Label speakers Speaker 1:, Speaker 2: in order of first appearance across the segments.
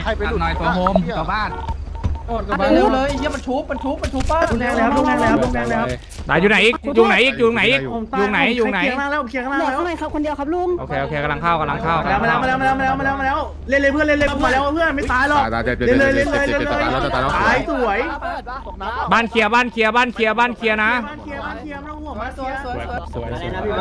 Speaker 1: รไปหลุด
Speaker 2: หน่อยตัวโฮมตัวบ้าน
Speaker 3: เร็วเลยเฮียมันชุบป้า
Speaker 4: ลุงแดงแล้วลุงแดงแล้วลุงแดงแล้ว
Speaker 5: ไหนอยู่ไหนอีกอยู่ไหนอีกอยู่ไหนอีกอยู่ไหนอยู่ไหน
Speaker 4: เคียงล่างแล้วเคียงล่าง
Speaker 6: เหลือ
Speaker 4: แล้ว
Speaker 6: ข้างในครับคนเดียวครับลุง
Speaker 5: โอเคโอเคกำลังเข้ากำลังเข้า
Speaker 4: มาแล้วเล่นเลยเพื่อนเล่นเลยมาแล้วเพื่อนไม่ตายหรอกเล่นเลยเล่นเลยเล่นเลยตายสวย
Speaker 5: บ้านเคลียร์บ้านเคลียร์บ้านเคลียร์บ้านเคลียร์นะ
Speaker 4: บ้านเคลียร์บ้านเคลียร์ไม่ต้องห่วงบ้านเคลียร์
Speaker 3: สวย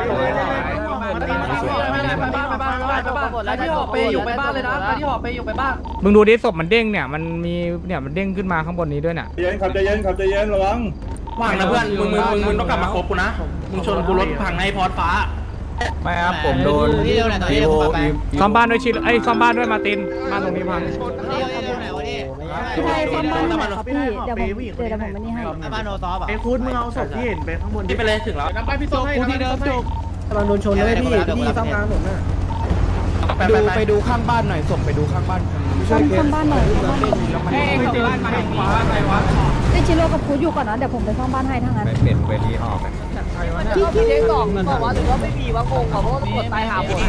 Speaker 3: แล้วที่หอบเปอยู่ไปบ้านเลยนะที่หอบเปอยู่ไปบ้าน
Speaker 5: มึงดูดิศพมันเด้งเนี่ยมันมีเนี่ยมันเด้งขึ้นมาข้างบนนี้ด้วยน่ะ
Speaker 7: ใจเย็นครับใจเย็นครับใจเย็นระวัง
Speaker 3: ว่างนะเพื่อนมึงต้องกลับมาคบกูนะมึงชนกูรถพังในพอร์ตฟ้า
Speaker 2: ไม่ครับผมโดน
Speaker 5: ซ่อมบ้านด้วยชิซ่อมบ้านด้วยมาตินบ้านตรงนี้พัง
Speaker 6: พี่ไทยซ่อมบ้านหน่อยครับพี่เดี๋ยวผมไม่นี่ให้
Speaker 3: บ้านโนซอฟอ่ะ
Speaker 4: ไอ้คูดมึงเอาศพที่เห็นไปข้างบน
Speaker 3: ที่ไปเลยถึงแล้วไปพี่โซ่กูที่เดิมจบ
Speaker 4: กำลังโดนชนเลยพี่ซ่อมกลางถนนน่ะ
Speaker 2: ไปดูข้างบ้านหน่อยส่งไปดูข้างบ้าน
Speaker 6: ซ่อมบ้านหน่อย
Speaker 3: เฮ้ยบ้านมาทางขวาใครวะ
Speaker 6: ไอชิโร่กับคูอยู่ก่อนนะเดี๋ยวผมไปซ่อมบ้านให้ทั้งนั้น
Speaker 2: เป็นเวทีหอบ
Speaker 3: พี่เจ๊กล่องบอกว่าหรือว่าไม่มีวะงงเพราะว่าตำรวจตายหาหมด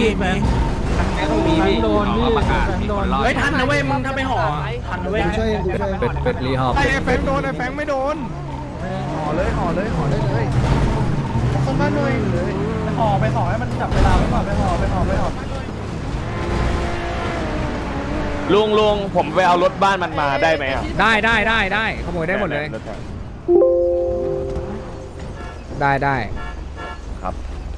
Speaker 2: มีโดนประกาศมีคนรอด
Speaker 3: เฮ้ยทันนะเว้ยมึงถ้าไปห่อทันนะเว้ย
Speaker 2: เป็นรีหอบ
Speaker 7: ไอ้แฟงโดนไอ้แฟงไม่โดน
Speaker 4: ห่อเลยซ่อมบ้านหน่อยเลย
Speaker 3: ห่อไปห่อให้มันจับเวลาไว้ก่อนไปห่อ
Speaker 7: ลุงผมไปเอารถบ้านมันมาได้ไหมอ่ะ
Speaker 5: ได้ขโมยได้หมดเลยได้
Speaker 7: ครับ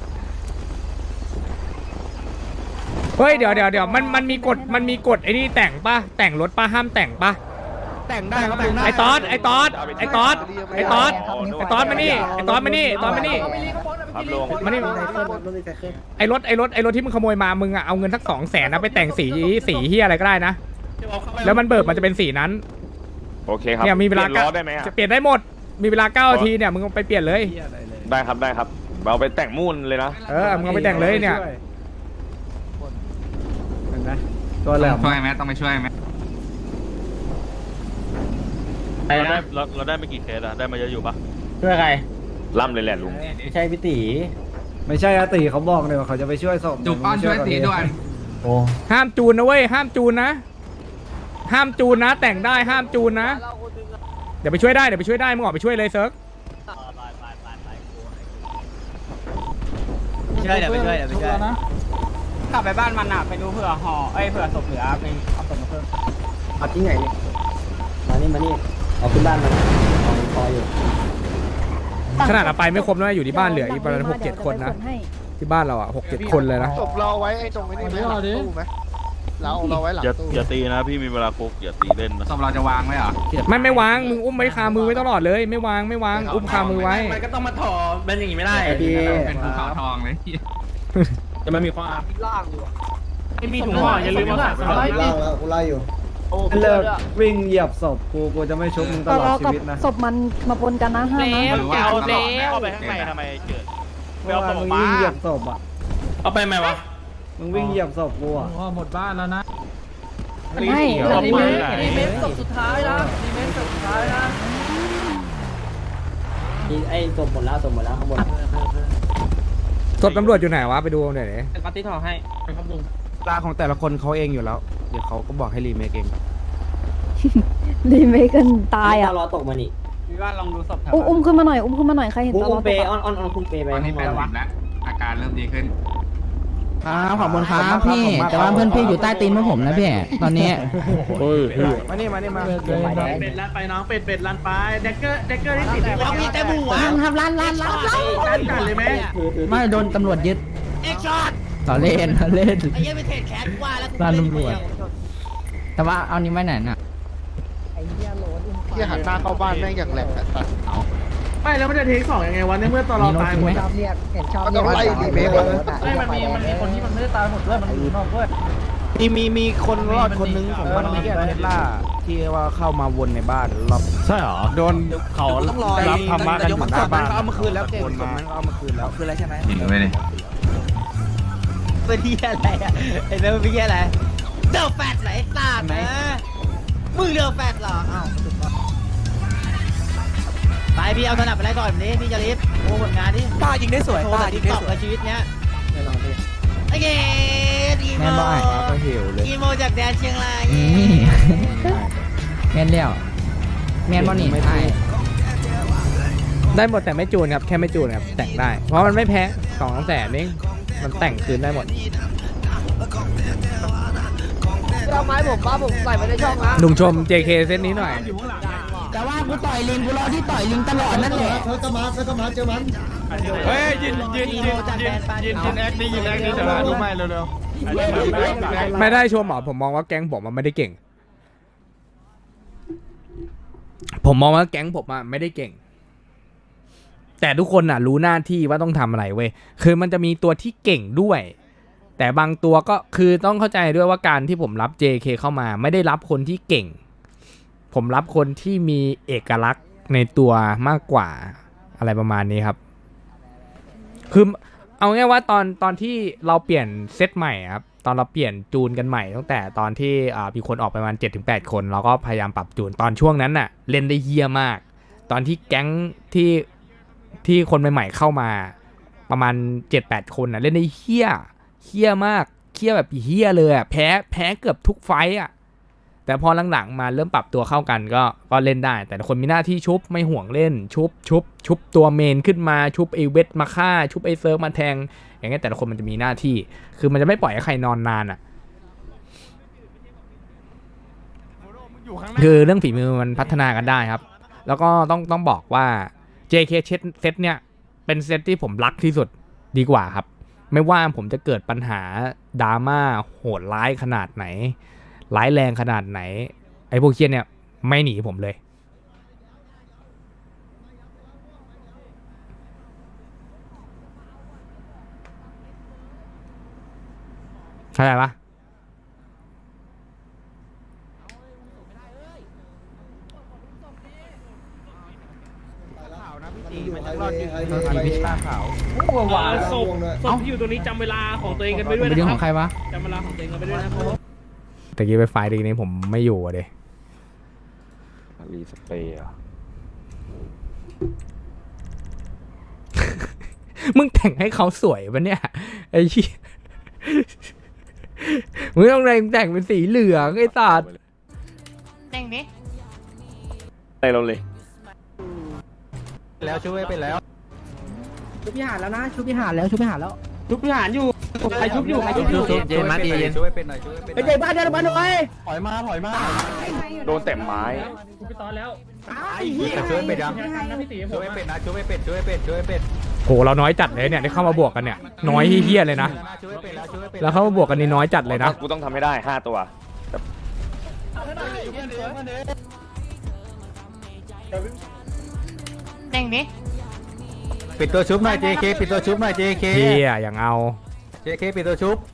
Speaker 5: เฮ้ยเดี๋ยวมันมีกฎไอ้นี่แต่งป่ะแต่งรถป่ะห้ามแต่งป่ะ
Speaker 2: แต่งได้ครับแต่งได้
Speaker 5: ไอ้ตอดมานี่
Speaker 7: ครับลุง
Speaker 5: มานี่ไอ้รถที่มึงขโมยมามึงอะเอาเงินสัก200,000นะไปแต่งสีเฮียอะไรก็ได้นะแล้วมันเบิกมันจะเป็นสีนั้น
Speaker 7: โอเคครับ
Speaker 5: เนี่ยมีเวลา
Speaker 7: ปลี่ยนล้อได้ไหมอ่ะ
Speaker 5: จะเปลี่ยนได้หมดมีเวลา9 นาทีเนี่ยมึงไปเปลี่ยนเลย
Speaker 7: ได้ครับเราไปแต่งมุ่นเลยนะ
Speaker 5: มึงเอาไปแต่งเลยเนี่ย
Speaker 4: เห็นไหมตัวแหลม
Speaker 2: ช่วยไหมต้องไปช่วยไหม
Speaker 7: เราได้ไม่กี่เคสอะได้มาเยอะอยู่ปะ
Speaker 3: ช่วยใคร
Speaker 7: ล่ำเลยแหละลุง
Speaker 3: ไม่ใช่พี่ตี
Speaker 4: ไม่ใช่อาติเขาบอกเลยว่าเขาจะไปช่วยศพ
Speaker 2: จุกอ้อนช่วยตีด่วน
Speaker 5: ห้ามจูนนะเว้ยห้ามจูนนะแต่งได้ห้ามจูนนะเดี๋ยวไปช่วยได้มึงออกไปช่วยเลยเซิร์ก
Speaker 3: ช่วยเดี๋ยวไปช่วย
Speaker 2: กลับไปบ้านมันอ่ะไปดูเผื่อห่อเผื่อศพเหลือไปเอาศพมาเพิ่ม
Speaker 4: เอาที่ไหนเนี่ยมานี่เอาขึ้นบ้านมันเอาคออยู่
Speaker 5: ขนาดเราไปไม่ครบนะอยู่ที่บ้านเหลืออีกประมาณ6-7 คนนะที่บ้านเราอ่ะ6-7 คนเลยนะ
Speaker 1: ศพเราไว้ไอ้ตรงนี้ไหมหลังตู้ไหมเราไว้หลังตู้
Speaker 7: อย่าตีนะพี่มีเวลาคุกอย่าตีเล่นนะ
Speaker 2: ศพเราจะวางไว้เหรอ
Speaker 5: ไม่วางมึงอุ้มไว้คามือไว้ตลอดเลยไม่วางอุ้มคามือไว้
Speaker 3: มันก็ต้องมาถอเป็นอย่างงี้ไม่ได้
Speaker 2: เป็นภูเขาทองเลย
Speaker 3: จะไม่มีความไม่มีถุงห่ออย่าลืมว่า
Speaker 4: กูไล่อยู่เลิกวิ่งเหยียบศพกูจะไม่ชุบมึงตลอดชีวิตนะ
Speaker 6: ศพมันมาปนกันนะห้ามนะ
Speaker 7: เอาไปข้างในทำไมเกิด
Speaker 4: เมื่อวานมึงวิ่งเหยียบศพอ่ะ
Speaker 3: เอาไปไหมวะ
Speaker 4: มึงวิ่งเหยียบศพกูอ่ะ
Speaker 3: หมดบ้านแล้วนะ
Speaker 6: ให้
Speaker 3: รีเมคศพสุดท้ายนะ
Speaker 4: ไอ้ศพหมดแล้วข้างบน
Speaker 5: ศพตำรวจอยู่ไหนวะไปดูหน่อยดิ
Speaker 3: ปาร์ตี้ถอให้ครับลุง
Speaker 2: ตาของแต่ละคนเขาเองอยู่แล้วเดี๋ยวเขาก็บอกให้รีเมคเอง
Speaker 6: รีเมคกันตายอ่ะ
Speaker 4: รอตกมานี่
Speaker 2: พี่ว่าลองดูศพแถว
Speaker 6: อุ้มขึ้นมาหน่อยใครเห็นตลอด
Speaker 4: คุณเปย์ไป
Speaker 2: ตอนนี้เป็นหวัดแล้วอาการเริ่มดีขึ้น
Speaker 8: ขอบคุณครับพี่แต่ว่าเพื่อนพี่อยู่ใต้ตีนพวกผมนะพี่ตอนนี้
Speaker 4: มานี่มา
Speaker 3: เป็ดลันไปน้องเป็ดลันไปเด็กเกอร์ที่ติด
Speaker 8: เอามีแต่หมูครับลั่น
Speaker 3: ลั่นกันเลยไหม
Speaker 8: ไม่โดนตำรวจยึดเอ็กช็อตต่อเล่นไอ้เหี้ยไปเทรดแคสว่าแล้วลั่นตำรวจแต่ว่าเอานี้ไม่ไหนน่ะ
Speaker 1: ที่หันหน้าเข้าบ้านแม่งอย่างแหลกอะสัตว์
Speaker 3: ไม่แล้วมันจะเทค2ยังไงวะในเมื่อตอนเราตายหมด
Speaker 1: ก็ต้องไล่รีเมคเลย
Speaker 3: มันมีคนที่มันไม่ได้ตายหมดด้วยมันอยู่นอกด้วย
Speaker 2: มีคนรอดคนนึงของมันเทสลาที่ว่าเข้ามาวนในบ้านรอบใช่หรอโดนเขารับธรรมะกันอยู่หน้าบ้านเอามาคืนแล้วคนนั้นก็เอามาคืนแล้วคืออะไรใช่ไหมไม่ได้
Speaker 8: เป็นที่อะไรอ่ะไอ้เรื่องเป็นที่อะไรเดือดแฟดไหนตาดนะมึงเดือดแฟดเหรออ้าวไปพี่เอาถนัดไปไล่ต่อยแบบนี้พี่จะรีบโอ้ผลงานดิป้ายิงได้สวยป้ายิงได้สวยชีวิตเนี้ยโอเคดีอีโม
Speaker 2: แม่บ่ายก็หิวเลย
Speaker 8: อีโมจากแดนเชียงราย
Speaker 2: แม่นแล้วแม่นบ่นี่ไม่ได้
Speaker 5: ได้หมดแต่ไม่จูนครับแค่ไม่จูนครับแต่งได้ เพราะมันไม่แพ้200,000เองมันแต่งคืนได้หมด
Speaker 1: เอาไม้ผมป้าผมใส่ไว้ในช่องนะ
Speaker 5: หนุ่มชม JK เซตนี้หน่อย
Speaker 2: แต่ว่ากูต่อยลิงกูรอที่ต่อยลิงตลอดนั่นแหละ
Speaker 1: เธอก็มาเจอมัน
Speaker 7: เฮ้ยยืนแอคนี่เดี๋ยวรู้ไหมเร็ว
Speaker 5: ไม่ได้ชมหรอผมมองว่าแก๊งผมมันไม่ได้เก่ง ผมมองว่าแก๊งผมอะไม่ได้เก่ง แต่ทุกคนน่ะรู้หน้าที่ว่าต้องทำอะไรเว้ยคือมันจะมีตัวที่เก่งด้วย แต่บางตัวก็คือต้องเข้าใจด้วยว่าการที่ผมรับ JK เข้ามาไม่ได้รับคนที่เก่ง ผมรับคนที่มีเอกลักษณ์ในตัวมากกว่าอะไรประมาณนี้ครับ คือเอาง่ายว่าตอนที่เราเปลี่ยนเซตใหม่ครับตอนเราเปลี่ยนจูนกันใหม่ตั้งแต่ตอนที่มีคนออกไปประมาณ 7-8 คนเราก็พยายามปรับจูนตอนช่วงนั้นน่ะเล่นได้เฮี้ยมาก ตอนที่แก๊งที่คนใหม่ๆเข้ามาประมาณ 7-8 คนน่ะเล่นได้เฮี้ยมากเฮี้ยแบบเฮี้ยเลยอ่ะแพ้เกือบทุกไฟต์อ่ะแต่พอหลังๆมาเริ่มปรับตัวเข้ากันก็เล่นได้แต่ละคนมีหน้าที่ชุบไม่ห่วงเล่นชุบตัวเมนขึ้นมาชุบไอเวทมาฆ่าชุบไอเซิร์ฟมาแทงอย่างเงี้ยแต่ละคนมันจะมีหน้าที่คือมันจะไม่ปล่อยให้ใครนอนนานอ่ะคือเรื่องฝีมือมันพัฒนากันได้ครับแล้วก็ต้องบอกว่า JK เซตเนี่ยเป็นเซตที่ผมรักที่สุดดีกว่าครับไม่ว่าผมจะเกิดปัญหาดราม่าโหดร้ายขนาดไหนร้ายแรงขนาดไหนไอ้พวกเคียนเนี่ยไม่หนีผมเลยเข้าใจปะ
Speaker 3: ศพอยู่ตรงนี้จำเวลาของตัวเองกันไปด้วยนะ
Speaker 2: เป็นเรื่องของใครวะ
Speaker 3: จำเวลาของตัวเองกันไปด้วยนะ
Speaker 5: ตะกี้ไปไฟล์ดีนี้ผมไม่อยู่อะเดย
Speaker 7: รีสเปรย์
Speaker 5: มึงแต่งให้เขาสวยปะเนี่ยไอ้ชี้ยมึงต้องแต่งเป็นสีเหลืองไอ้สัตว์
Speaker 8: แต่งดิ
Speaker 7: ในเราเลย
Speaker 2: แล้วช่วยไปแล้ว
Speaker 1: ชุบพิหารแล้วนะชุบพิหารแล้วชุบพิหารแล้ว
Speaker 3: ชุบพิหารอยู่ใครชุบอยู่
Speaker 2: เย็นมาดีเย็นช่วยเป็นหน่อยช่วยเป็น
Speaker 1: ไอ้ใจบ้านเดินบ้านหน่อย
Speaker 2: ถอยมา
Speaker 7: โดนแต่ไม้
Speaker 3: ชุบไปตอนแล้ว
Speaker 2: ช่วยเป็นยัง
Speaker 3: นะพี่ตีผม
Speaker 2: ช่วยเป็นนะช่วยเป็น
Speaker 5: โหเราน้อยจัดเลยเนี่ยได้เข้ามาบวกกันเนี่ยน้อยเฮี้ยๆเลยนะ
Speaker 2: ช่วยเป็นแล้วช่วยเป็น
Speaker 5: แล้วเข้ามาบวกกันนี่น้อยจัดเลยนะ
Speaker 7: กูต้องทำให้ได้5ตัว
Speaker 8: แต่งดิ
Speaker 2: ปิดตัวชุบหน่อย JK ปิดตัวชุบหน่อย JK
Speaker 5: เฮี้ยอย่างเอา
Speaker 2: JK ปิดตัวชุบ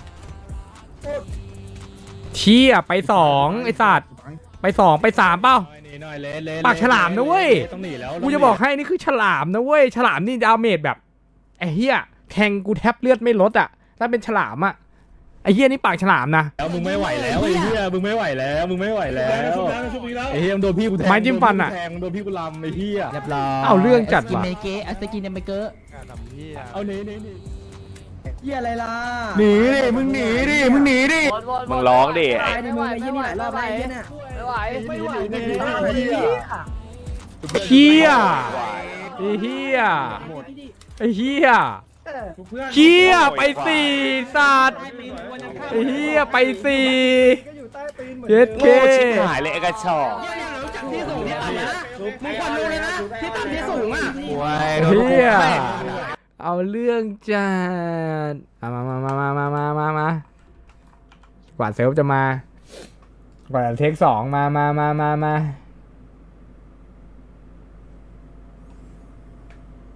Speaker 5: เชี่ยไป2ไอ้สัตว์ไป2ไป3เปล่าปากฉลามนะเว้ยกูจะบอกให้นี่คือฉลามนะเว้ยฉลามนี่ดาเมจแบบไอ้เฮี้ยแทงกูแทบเลือดไม่ลดอ่ะถ้าเป็นฉลามอ่ะไอ้เฮี้ยนี่ปากฉลามนะ
Speaker 3: แล้วมึงไม่ไหวแล้วไอ้เหี้ยมึงไม่ไหวแล้วไอ้เหี้ยโดนพี่กูแทง
Speaker 5: ไม้จิ้มฟันอ่ะ
Speaker 3: โดนพี่กูลำไอ้เหี้ย
Speaker 2: เรียบร้อย
Speaker 5: เอาเรื่องจัดว่ะ
Speaker 2: เมเกสกินเมเกอร์
Speaker 3: เอาเน่
Speaker 1: เหี้ยอะไรล่ะ
Speaker 2: หนีดิมึงหนีดิมึงหนีดิ
Speaker 7: มึงร้องดิ
Speaker 1: ตายในมือไอ้ยี่นี่หลายรอบแล้วไอ้ยี่เนี่ยไม่ไหวไอ้ยี่
Speaker 5: เฮี้ยไอ้เฮี้ยไอ้เฮี้ยเฮี้ยไป4สัตว์ไอ้เฮี้ยไป4เจ็ดเค
Speaker 7: โง่ชิบหายเลยไอ้กระชอก
Speaker 1: มึงควรรู้เลยนะที่ต่ำที่สูงอ่ะ
Speaker 5: เฮี้ยเอาเรื่องจัดมากว่าเซลฟจะมากว่าเทค2มา